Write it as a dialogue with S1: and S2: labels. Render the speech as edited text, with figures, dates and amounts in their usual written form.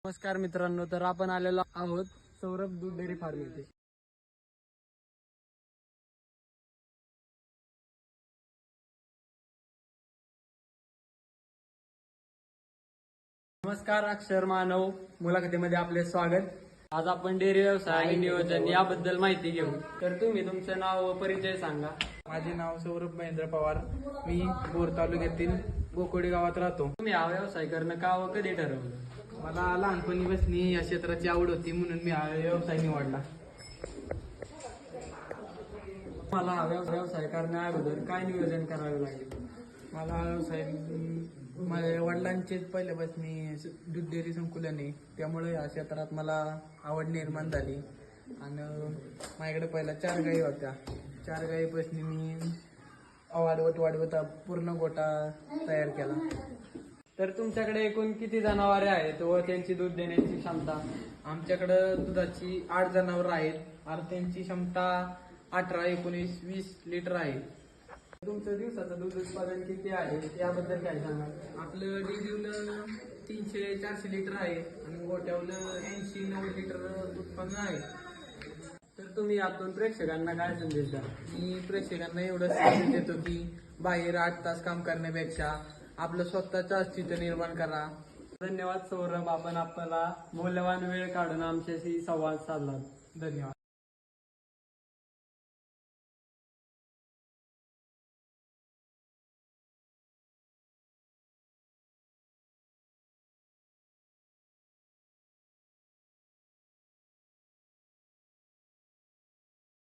S1: नमस्कार मित्रांनो, तर आपण आलेलो आहोत सौरभ दूध डेअरी फार्म येथे. नमस्कार अक्षर मानव मुलाखतीमध्ये आपले स्वागत. आज आपण डेअरी व्यवसाय आणि नियोजन याबद्दल माहिती घेऊ. तर तुम्ही तुमचं नाव व परिचय सांगा.
S2: माझे नाव सौरभ महेंद्र पवार. मी बोर तालुक्यातील बोकोडी गावात राहतो.
S1: तुम्ही हा व्यवसाय करणं का व कधी ठरवलं?
S2: मला लहानपणीपासून या क्षेत्राची आवड होती, म्हणून मी हा व्यवसाय निवडला.
S1: मला हा व्यवसाय करण्या अगोदर काय नियोजन करावे लागेल?
S2: मला हा व्यवसाय माझ्या वडिलांचे पहिल्यापासून दूध डेअरी संकुलन आहे, त्यामुळे या क्षेत्रात मला आवड निर्माण झाली. आणि माझ्याकडे पहिला 4 गायी होत्या. 4 गायीपासून मी वाढवता पूर्ण गोटा तयार केला.
S1: तर तुमच्याकडे एकूण किती जनावरे आहेत व त्यांची दूध देण्याची क्षमता?
S2: आमच्याकडं दुधाची 8 जनावरं आहेत आणि त्यांची क्षमता 18, 19, 20 लिटर आहे.
S1: तुमचं दिवसाचं दूध उत्पादन किती आहे याबद्दल काय सांगाल?
S2: आपलं डेलीवलं 300-400 लिटर आहे आणि गोट्यावलं 80-90 लिटर उत्पन्न आहे.
S1: तर तुम्ही यातून प्रेक्षकांना काय संदेश द्या?
S2: मी प्रेक्षकांना एवढं संदेश देतो की बाहेर 8 तास काम करण्यापेक्षा आपलं स्वतःचं अस्तित्व निर्माण करा.
S1: धन्यवाद सौरभ, आपण आपला मौल्यवान वेळ काढून आमच्याशी संवाद साधला.
S2: धन्यवाद.